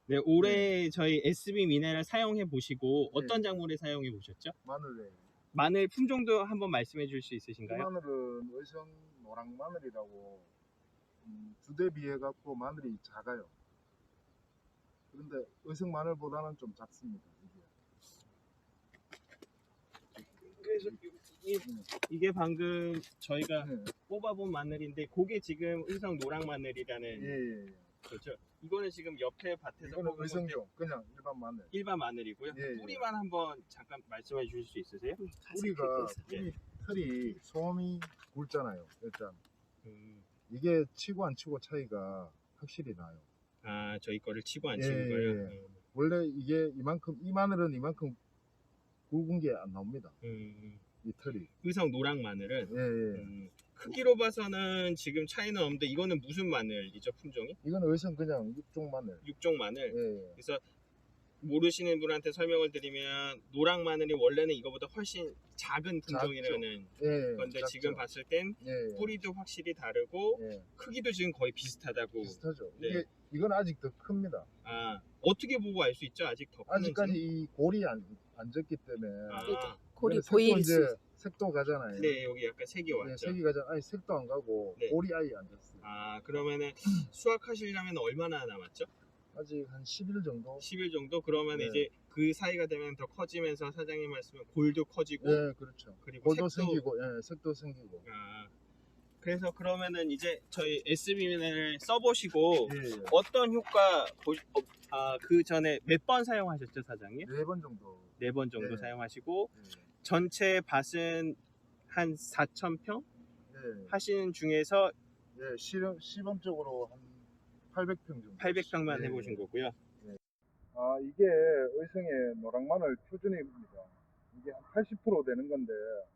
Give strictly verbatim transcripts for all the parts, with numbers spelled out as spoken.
네, 올해 저희 에스비 미네랄 사용해 보시고 어떤 네. 작물에 사용해 보셨죠? 마늘에 마늘 품종도 한번 말씀해 줄 수 이 있으신가요? 마늘은 의성 노랑 마늘이라고 음, 주대 비해 갖고 마늘이 작아요. 그런데 의성 마늘보다는 좀 작습니다. 이게. 그래서 이, 네. 이게 방금 저희가 네. 뽑아본 마늘인데 그게 지금 의성 노랑 마늘이라는 예, 예, 예. 거죠. 이거는 지금 옆에 밭에서 이거는 뽑은 건데 의성용 그냥 일반 마늘. 일반 마늘이고요. 예, 예. 뿌리만 한번 잠깐 말씀해 주실 수 있으세요? 뿌리가 예. 뿌리 털이 소음이 굵잖아요. 일단 음, 이게 치고 안 치고 차이가 확실히 나요. 아, 저희 거를 치고 안 예, 치는 거예요? 예. 음, 원래 이게 이만큼 이 마늘은 이만큼 굵은 게 안 나옵니다. 음, 이 털이. 의성 노랑 마늘은 예, 예. 음, 크기로 봐서는 지금 차이는 없는데 이거는 무슨 마늘이죠, 품종이? 이건 의성 그냥 육종 마늘. 육종 마늘. 예, 예. 그래서 모르시는 분한테 설명을 드리면 노랑 마늘이 원래는 이거보다 훨씬 작은 품종이라는 예, 건데 작죠. 지금 봤을 땐 예, 예. 뿌리도 확실히 다르고 예, 크기도 지금 거의 비슷하다고. 비슷하죠. 네. 이게 이건 아직 더 큽니다. 아, 어떻게 보고 알 수 있죠? 아직 더 크는지? 아직까지 이 골이 안, 안 졌기 때문에. 아, 골이 색도 보일 이제 수 있- 색도 가잖아요. 네, 여기 약간 색이 네, 왔죠. 색이 가잖아. 아니 색도 안 가고 네. 골이 아예 안 졌어요. 아, 그러면은 수확하시려면 얼마나 남았죠? 아직 한 십 일 정도. 십 일 정도? 그러면 네. 이제 그 사이가 되면 더 커지면서 사장님 말씀은 골도 커지고 네, 그렇죠. 그리고 골도 색도 생기고, 예, 색도 생기고. 아, 그래서 그러면은 이제 저희 에스비를 써보시고 예, 예. 어떤 효과 보, 어, 아, 그 전에 몇 번 사용하셨죠, 사장님? 네 번 정도. 네 번 정도 네. 사용하시고 예, 전체 밭은 한 사천 평 예, 하시는 중에서 예, 시범 시범적으로 한 팔백 평 정도. 팔백 평만 예, 해보신 예. 거고요. 아, 이게 의성의 노랑마늘 표준입니다. 이게 한 팔십 퍼센트 되는 건데,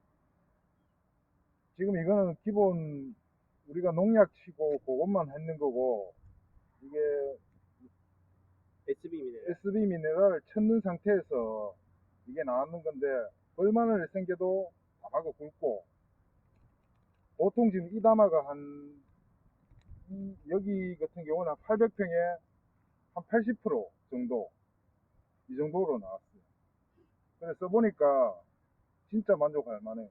지금 이거는 기본 우리가 농약 치고 그것만 했는 거고, 이게 에스비 미네랄. 에스비 미네랄을 쳤는 상태에서 이게 나왔는 건데, 얼마나 생겨도 다마가 굵고, 보통 지금 이 다마가 한, 이, 여기 같은 경우는 한 팔백 평에 한 팔십 퍼센트 정도, 이 정도로 나왔어요. 그래서 써보니까 진짜 만족할 만해요.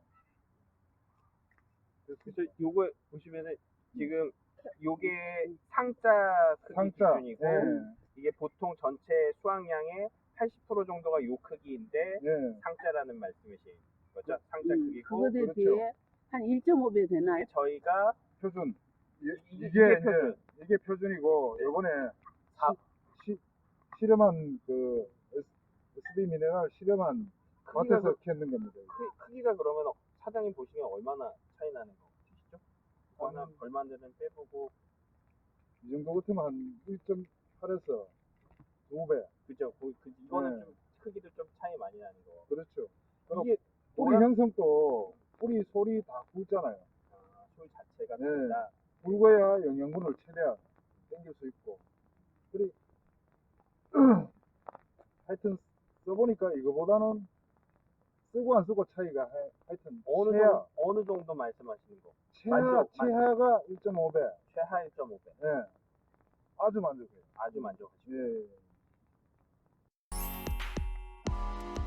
그래서 요거 보시면은 지금 요게 상자 크기 상자, 기준이고 예, 이게 보통 전체 수확량의 팔십 퍼센트 정도가 요 크기인데 예. 상자라는 말씀이신 거죠? 상자 음, 크기고 그거에 그렇죠. 비해 한 일 점 오 배 되나요? 저희가 표준. 이, 이게- 이게, 이게 이제 표준. 이게 표준이고, 네. 요번에 사- 시, 시, 실험한 그 에스비 미네랄 실험한 크기가, 밭에서 그, 키웠는 겁니다. 이거. 크, 크기가 그러면 사장님 보시기엔 얼마나 차이 나는 거 같으시죠? 하나 한- 얼마인지는 빼보고 이 정도 같으면 한 일 점 팔에서 두 배. 그죠? 그, 그, 이거는 네. 좀 크기도 좀 차이 많이 나는 거. 그렇죠. 그리고 이게 뿌리 노란- 형성도 뿌리 솔이 다 굵잖아요. 아, 솔 자체가 네. 다르다. 굵어야 영양분을 최대한 땡길 수 있고. 그리 하여튼 써보니까 이거보다는 쓰고 안 쓰고 차이가 하, 하여튼 어느 최하, 정도, 어느 정도 말씀하시는 거? 최하, 만족, 최하가 일 점 오 배. 최하 일 점 오 배. 예. 아주 만족해요. 아주 만족하시고. 예.